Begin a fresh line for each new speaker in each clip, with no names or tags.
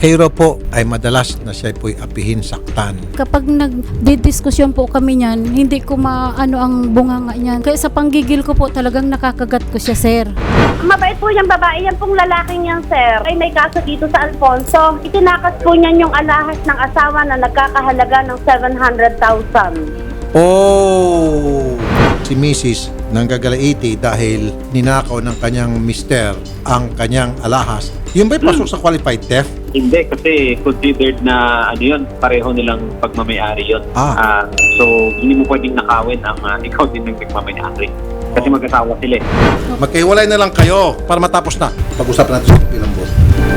Kayo raw po ay madalas na siya po'y apihin, saktan.
Kapag nagdidiskusyon po kami niyan, hindi ko maano ang bunganga niyan. Kaya sa panggigil ko po talagang nakakagat ko siya, sir.
Mabait po yung babae, yan pong lalaking yan, sir. Ay may kaso dito sa Alfonso. Itinakas po niyan yung alahas ng asawa na nagkakahalaga ng 700,000.
Oh! Si Mrs. nanggagalaiti dahil ninakaw ng kanyang mister ang kanyang alahas. Yun ba'y pasok sa qualified theft?
Hindi, kasi considered na ano yun, pareho nilang pagmamayari yun. So, hindi mo pwedeng nakawin ang ikaw din ng pagmamayari. Kasi mag-asawa sila eh.
Magkahiwalay na lang kayo para matapos na. Pag-usapan natin sa ilang buwan.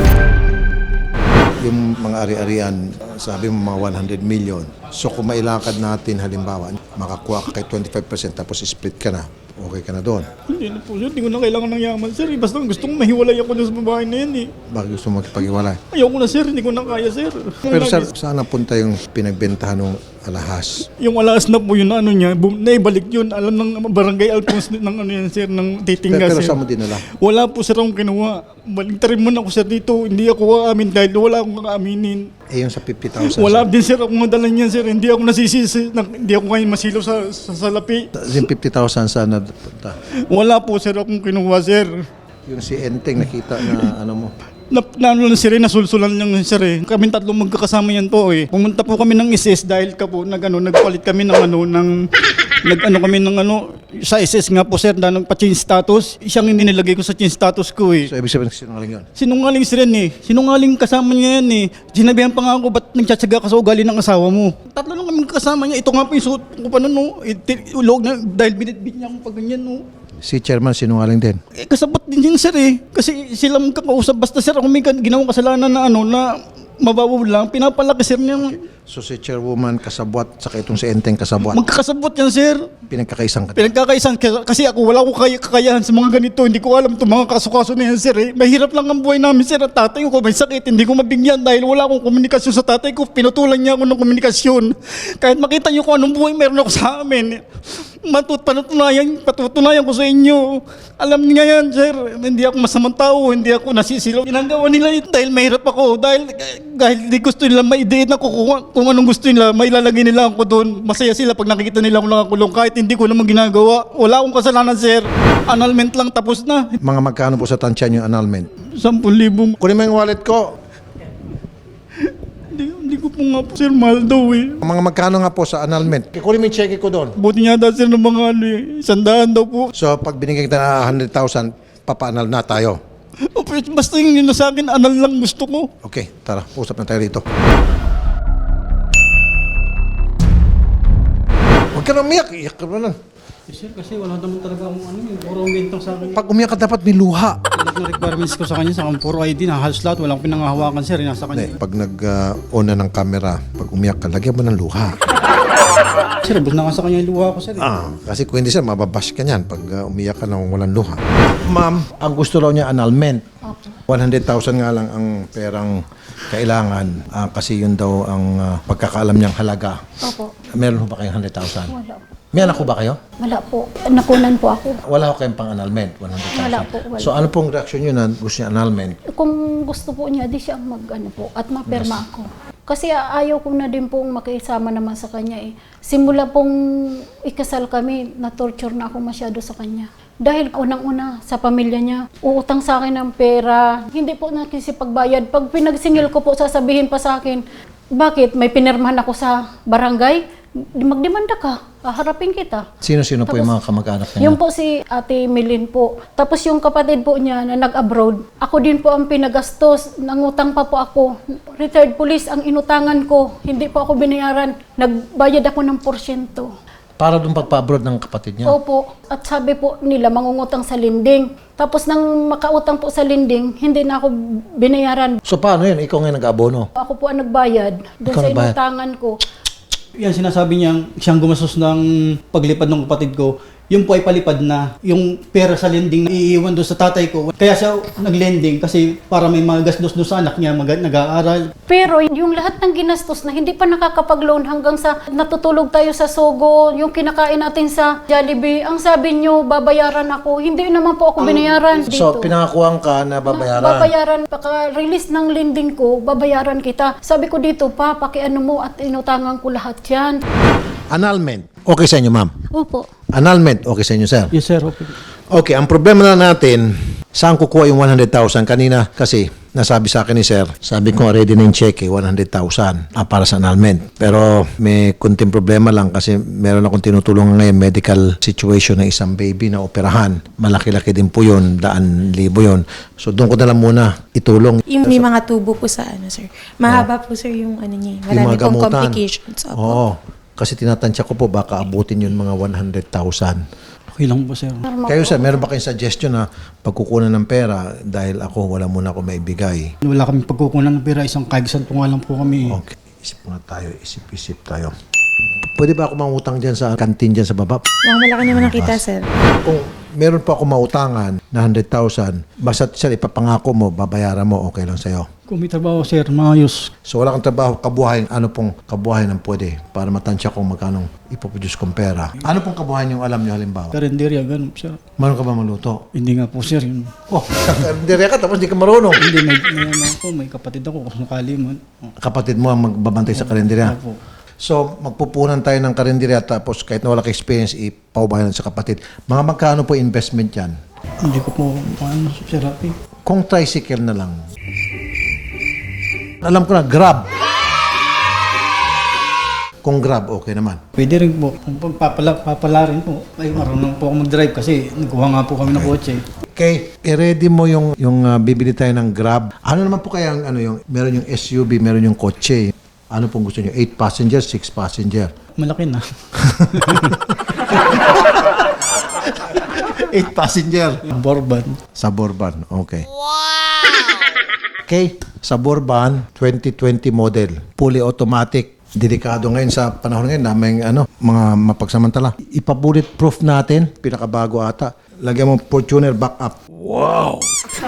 Yung mga ari-arian, sabi mo mga 100 million. So kung mailakad natin halimbawa, makakuha ka kay 25% tapos split ka na, okay ka na doon.
Hindi na po sir, hindi ko na kailangan ng yaman sir. Basta gusto kong mahiwalay ako dun sa babae na yan eh.
Bakit gusto mo makipag-iwalay?
Ayoko na sir, hindi ko na kaya sir.
Pero saan napunta yung pinagbentahan ng alahas?
Yung alas na po yun na ano niya, naibalik yun. Alam ng barangay Alphonse ng ano yan sir, ng titingga
Pero
sir.
saan mo dinala?
Wala po sir akong kinuha. Baligtarin mo na ako sir dito. Hindi ako aamin dahil wala akong aaminin.
Eh yung sa 50,000.
Wala din sir akong madala niyan sir. Hindi ako nasisisi. Hindi ako ngayon masilaw sa salapi.
Yung 50,000 saan napunta?
Wala po sir akong kinuha sir.
Yung si Enteng nakita na ano mo.
Ano lang sir, nasulsulan lang sir eh. Kaming tatlong magkakasama yan po eh. Pumunta po kami ng SS dahil ka po nagpalit kami ng sa SS nga po sir na nagpa-change status. Siyang hindi nilagay ko sa change status ko eh.
So ibig sabihin sinungaling yun?
Sinungaling sir yan eh. Sinungaling kasama niya yan eh. Sinabihan pa nga ako, ba't nagtsatsaga ka sa ugali ng asawa mo? Tatlo lang kami kasama niya. Ito nga po yung suot ko pa no. Ulog na dahil binitbit niya akong pag ganyan no.
Si chairman sinungaling din?
Eh, kasabot din yun sir eh. Kasi sila magkakausap. Basta sir, kung may ginawang kasalanan na na mababaw lang, pinapalaki sir niya.
So si chairwoman kasabwat, saka itong si Enteng kasabwat.
Magkakasabot yan sir.
Pinagkakaisang ka.
Pinagkakaisan kasi ako wala ko kakayahan sa mga ganito. Hindi ko alam itong mga kaso-kaso na yan sir eh. Mahirap lang ang buhay namin sir. At tatay ko may sakit. Hindi ko mabigyan dahil wala akong komunikasyon sa tatay ko. Pinutulan niya ako ng komunikasyon. Kahit makita niyo kung anong buhay meron ako sa amin. Patutunayan ko sa inyo. Alam niya yan, sir. Hindi ako masamang tao, hindi ako nasisilaw. Ginagawa nila yun dahil mahirap ako. Dahil di gusto nila maideet na kung anong gusto nila, mailalagay nila ako doon. Masaya sila pag nakikita nila ako nakakulong kahit hindi ko naman ginagawa. Wala akong kasalanan, sir. Annulment lang, tapos na.
Mga magkano po sa tansyan yung annulment?
10,000.
Kunin mo yung wallet ko.
Hindi ko po nga po, sir, mahal daw eh.
Mga magkano nga po sa annulment? Kunin mo yung cheque ko doon.
Buti nga daw, sir, ng mga eh. 100 daw po.
So pag binigyan kita na 100,000, papa-annul na tayo.
O, basta yung yun na sa akin, anal lang gusto ko.
Okay, tara, usap na tayo rito. Huwag ka na umiyak, iyak ka na lang.
Sir, kasi wala naman talaga akong puro bintang sa akin.
Pag umiyak ka dapat may luha.
Lahat ng requirements ko sa kanya, sa akin puro ID na halos lahat, walang pinangahawakan sir, nasa kanya.
Pag nag-on na ng camera, pag umiyak ka, lagyan mo ng luha.
Sir, bus na nga sa kanya yung luha ko sir.
Kasi kung hindi sir, mababash ka niyan pag umiyak ka nang walang luha. Ma'am, ang gusto raw niya annulment. 100,000 nga lang ang perang kailangan kasi yun daw ang pagkakaalam niyang halaga.
Opo.
Meron ho ba kayong 100,000?
Wala.
May anak ko ba kayo?
Wala po. Nakunan po ako.
Wala ho kayong pang-annulment, 100,000?
Wala po, wala.
So ano pong reaksyon niyo na gusto niya annulment?
Kung gusto po niya, di siya po at maperma ako. Kasi ayaw ko na din pong makisama naman sa kanya eh. Simula pong ikasal kami, na-torture na ako masyado sa kanya. Dahil unang-una sa pamilya niya, uutang sa akin ng pera, hindi po nakisipagbayad. Pag pinagsingil ko po, sasabihin pa sa akin, bakit may pinirmahan ako sa barangay? Magdemanda ka, haharapin kita.
Sino-sino po
Tapos,
yung mga kamag-anak niya?
Yung po si Ate Milin po. Tapos yung kapatid po niya na nag-abroad, ako din po ang pinagastos. Nangutang pa po ako. Retired police ang inutangan ko. Hindi po ako binayaran. Nagbayad ako ng porsyento.
Para doon pagpa-abroad ng kapatid niya?
Opo. At sabi po nila, mangungutang sa linding. Tapos nang makautang po sa linding, hindi na ako binayaran.
So paano yun? Ikaw ngayon nag-abono?
Ako po ang nagbayad doon
Ikaw
sa
nagbayad?
inutangan ko.
Yan, sinasabi niya, siyang gumastos ng paglipad ng kapatid ko. Yung po ay palipad na. Yung pera sa lending na iiwan doon sa tatay ko. Kaya siya nag-lending kasi para may mga gastos doon sa anak niya nag-aaral.
Pero yung lahat ng ginastos na hindi pa nakakapag-loan hanggang sa natutulog tayo sa Sogo, yung kinakain natin sa Jollibee, ang sabi nyo, babayaran ako. Hindi naman po ako binayaran dito.
So, pinangakuhan ka na babayaran.
Babayaran, pagka-release ng lending ko, babayaran kita. Sabi ko dito, pa, pakiano mo at inutangan ko lahat yan.
Annulment. Okay sa inyo, ma'am?
Opo.
Annulment. Okay sa inyo, sir?
Yes sir, okay.
Okay, ang problema na natin, saan kukuha yung 100,000? Kanina kasi nasabi sa akin ni sir, sabi ko ready na yung check 100,000 para sa annulment. Pero may kunting problema lang kasi meron akong tinutulungan ngayon medical situation ng isang baby na operahan. Malaki-laki din po yun, 100,000 yun. So doon ko na lang muna itulong.
Yung may mga tubo po sa ano, sir. Mahaba po, sir, yung ano niya.
Yung
Marami
mga
pong
gamutan.
complications. Opo.
Oo. Kasi tinatansya ko po baka abutin yun mga 100,000.
Okay lang po sir.
Kayo sir, meron ba kayong suggestion na pagkukunan ng pera dahil ako wala muna ako maibigay?
Wala kami pagkukunan ng pera, isang kaibisan po nga lang po kami.
Okay, isip muna tayo, isip tayo. Pwede ba ako mangutang dyan sa kantin dyan sa baba?
Malaki naman ang kita, sir.
Kung meron pa ako mautangan na 100,000, basta sir, ipapangako mo, babayaran mo, okay lang sa'yo.
Kung may trabaho sir, maayos.
So wala kang trabaho, kabuhayan, ano pong kabuhayan ang pwede para matansya kung magkano ipoproduce kong pera. Ano pong kabuhayan yung alam nyo halimbawa?
Karinderya, ganun sir.
Marunong ka ba maluto?
Hindi nga po sir. Yun.
Oh, dire ka tapos di ka marunong.
Hindi, may kapatid ako kung sakali man.
Kapatid mo ang magbabantay sa karinderya.
Opo.
So, magpupunan tayo ng karinderya tapos kahit na wala ka experience, ipaubayan sa kapatid. Mga magkano po investment yan?
Hindi ko po, ano, sir, happy.
Kung tricycle na lang. Alam ko na, Grab. Kung Grab, okay naman.
Pwede rin po. Kung papala rin po. Ay, marunong po ako mag-drive kasi nagkuha nga po kami ng kotse.
Okay, i-ready mo yung bibili tayo ng Grab. Ano naman po kaya ang meron yung SUV, meron yung kotse. Ano pong gusto nyo? 8 passenger, 6 passenger?
Malaki na.
8 passenger.
Borban.
Suburban, okay. Wow! Okay, Suburban 2020 model, fully automatic. Delikado ngayon sa panahon ngayon na may mga mapagsamantala. Ipa-bulletproof natin, pinakabago ata. Lagyan mo Fortuner backup. Wow!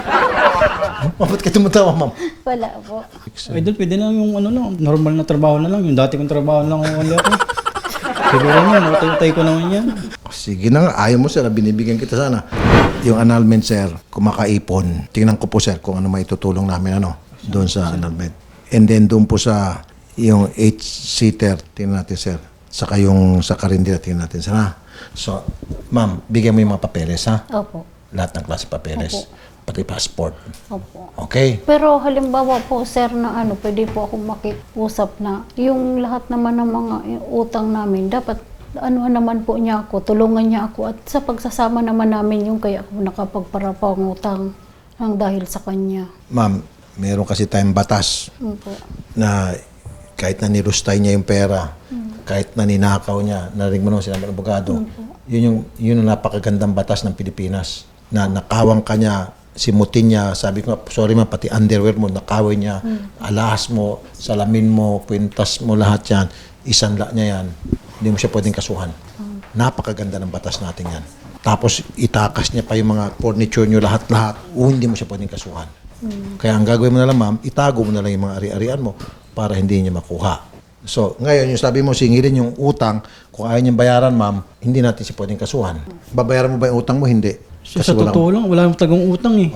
Bakit ka tumatawa, ma'am?
Wala po.
Idol, pwede na yung normal na trabaho na lang. Yung dati kong trabaho na lang wala ko. Siguro nga, nakatay ko naman yan.
Sige na nga, ayaw mo sir, binibigyan kita sana. Yung annulment sir, kumakaipon. Tingnan ko po sir kung ano maitutulong namin doon sa annulment. And then doon po sa yung 8-seater, tingnan natin sir. Saka yung sa karindira, tingnan natin sir ha. So, ma'am, bigyan mo yung mga papeles ha.
Opo.
Lahat ng klase papeles.
Opo.
Pati passport.
Opo.
Okay?
Pero halimbawa po, sir, na pwede po akong makiusap na yung lahat naman ng mga utang namin, dapat naman po niya ako, tulungan niya ako at sa pagsasama naman namin yung kaya ako nakapagparapangutang ng dahil sa kanya.
Ma'am, meron kasi tayong batas
Opo.
na kahit na nirustay niya yung pera, kahit na ninakaw niya, narinig mo naman sinabi ng abogado, yun yung napakagandang batas ng Pilipinas na nakawang ka niya, simutin niya, sabi ko, sorry man, pati underwear mo, nakaway niya, alahas mo, salamin mo, kwintas mo, lahat yan, isanla niya yan, hindi mo siya pwedeng kasuhan. Napakaganda ng batas natin yan. Tapos itakas niya pa yung mga furniture niyo, lahat-lahat, hindi mo siya pwedeng kasuhan. Kaya ang gagawin mo na lang, ma'am, itago mo na lang yung mga ari-arian mo para hindi niya makuha. So, ngayon, yung sabi mo, singilin yung utang, kung ayaw niyang bayaran, ma'am, hindi natin siya pwedeng kasuhan. Babayaran mo ba yung utang mo? Hindi.
Sa totoo lang, wala akong tagong utang eh.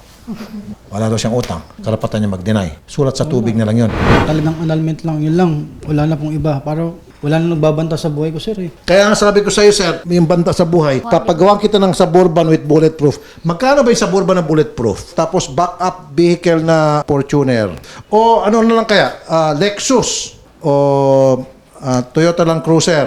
Wala daw siyang utang. Karapatan niya mag-deny. Sulat sa tubig na lang yun.
Talagang annulment lang, yun lang. Wala na pong iba. Para wala na nagbabanta sa buhay ko, sir eh.
Kaya nga sabi ko sa iyo, sir, yung banta sa buhay, papagawa kita ng Suburban with bulletproof. Magkano ba yung Suburban na bulletproof? Tapos backup vehicle na Fortuner. O ano na lang kaya? Lexus o Toyota Land Cruiser.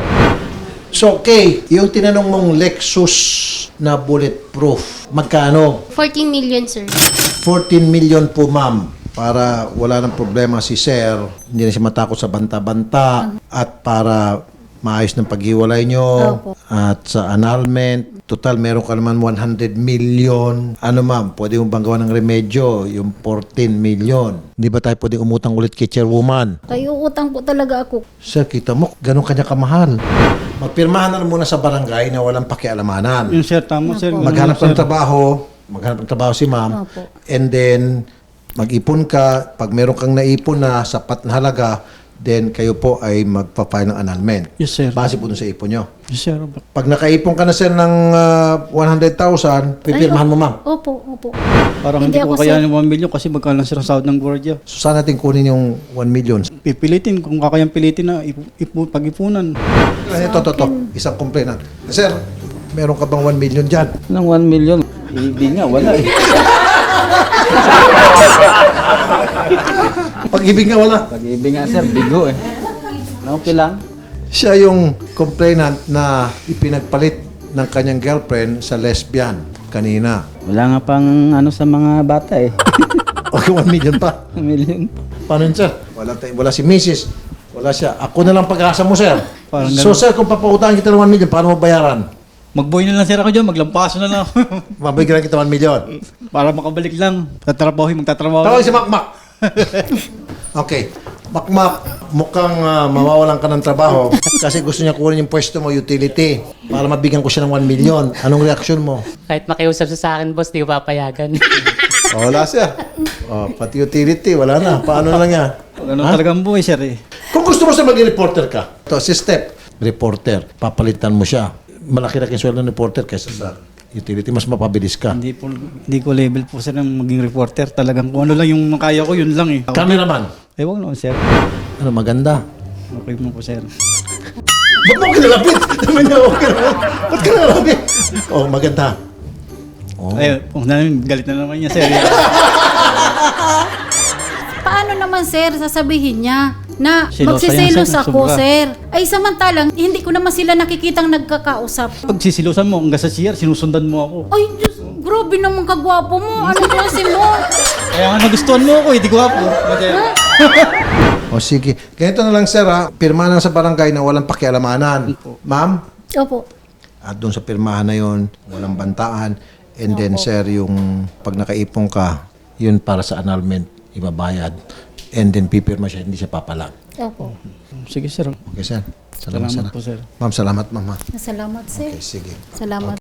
So, okay, yung tinanong mong Lexus na bulletproof, magkano?
14 million, sir.
14 million po, ma'am. Para wala ng problema si Sir, hindi na siya matakot sa banta-banta at para maayos ng paghiwalay nyo
Opo.
at sa annulment, Total, meron ka naman 100 million. Ano ma'am, pwede mo bang gawa ng remedyo? Yung 14 million. Hindi ba tayo pwede umutang ulit kay chairwoman?
Kayo utang po talaga ako.
Sir, kita mo, ganun kanya kamahal. Magpirmahan na lang muna sa barangay na walang pakialamanan.
Yun, sir, tama, sir.
Maghanap ng trabaho si ma'am.
Opo.
And then, mag-ipon ka. Pag meron kang naipon na sapat na halaga, then kayo po ay magpa-file ng annulment.
Yes, sir.
Base po dun sa ipon nyo.
Yes, sir.
Pag nakaipon ka na sir ng 100,000, pipirmahan mo ma'am.
Opo.
Parang
Hindi
hindi ko
ako,
kaya ng 1 million kasi magkano lang sir ang sahod ng gwardiya.
So saan natin kunin yung 1 million?
Pipilitin, kung kakayang pilitin na pag-ipunan.
Ito. Isang complainant. Sir, meron ka bang 1 million dyan?
Ng 1 million. Hindi nga, wala eh.
Pag-ibig nga wala.
Pag-ibig nga sir, bigo eh. Okay lang.
Siya yung complainant na ipinagpalit ng kanyang girlfriend sa lesbian kanina.
Wala nga pang ano sa mga bata eh.
Okay, 1 million pa.
1 million.
Paano yun, sir? Wala si Mrs. Wala siya. Ako na lang pag-asa mo, sir.
Parang
So, sir, kung papautangin kita ng 1 million, paano mo bayaran?
Mag-boy na lang sir ako dyan, maglampaso na lang.
Mabigyan kita 1 million.
Para makabalik lang. Magtatrabaho.
Tawag si Makmak. Okay. Makmak, mukhang mawawalan ka ng trabaho kasi gusto niya kunin yung pwesto mo, utility, para mabigyan ko siya ng 1 million. Anong reaksyon mo?
Kahit makiusap siya sa akin, boss, di ko papayagan.
Wala siya. Pati utility, wala na. Paano na lang yan?
Ganun talagang buhay sir eh.
Kung gusto mo siya maging reporter ka, ito, si Step, reporter, papalitan mo siya. Malaki-laki ang sweldo ng reporter kaysa sa utility, mas mapabilis ka.
Hindi ko level po sir ng maging reporter. Talagang kung ano lang yung kaya ko, yun lang eh.
Cameraman,
Ewan naman sir.
ano maganda?
Okay mo po sir.
Ba't mo kinalapit? Naman niya, okay naman. Ba't ka nalapit? Oh, maganda. Oh.
Ay, kung namin, galit na naman niya sir.
Paano naman sir sasabihin niya na
Selosa
magsiselos
yan, sir.
ako
Sobra.
sir? Ay samantalang hindi ko naman sila nakikitang nagkakausap.
Pag sisilusan mo, hanggang sa CR, sinusundan mo ako.
Ay Diyos, grabe naman kagwapo mo. Anong klase mo?
Kaya nga nagustuhan mo ako, hindi ko hapo.
O sige. Ganito na lang sir ha. Pirmahan na sa barangay na walang pakialamanan. Ma'am?
Opo.
At doon sa pirmahan na yon, walang bantaan. And then sir, yung pag nakaipong ka, yun para sa annulment, ibabayad. And then pipirma siya, hindi siya papalag.
Opo.
Sige sir.
Okay sir? Salamat
Salamat po sir.
Ma'am, salamat ma'am ha.
Salamat sir.
Okay, sige.
Salamat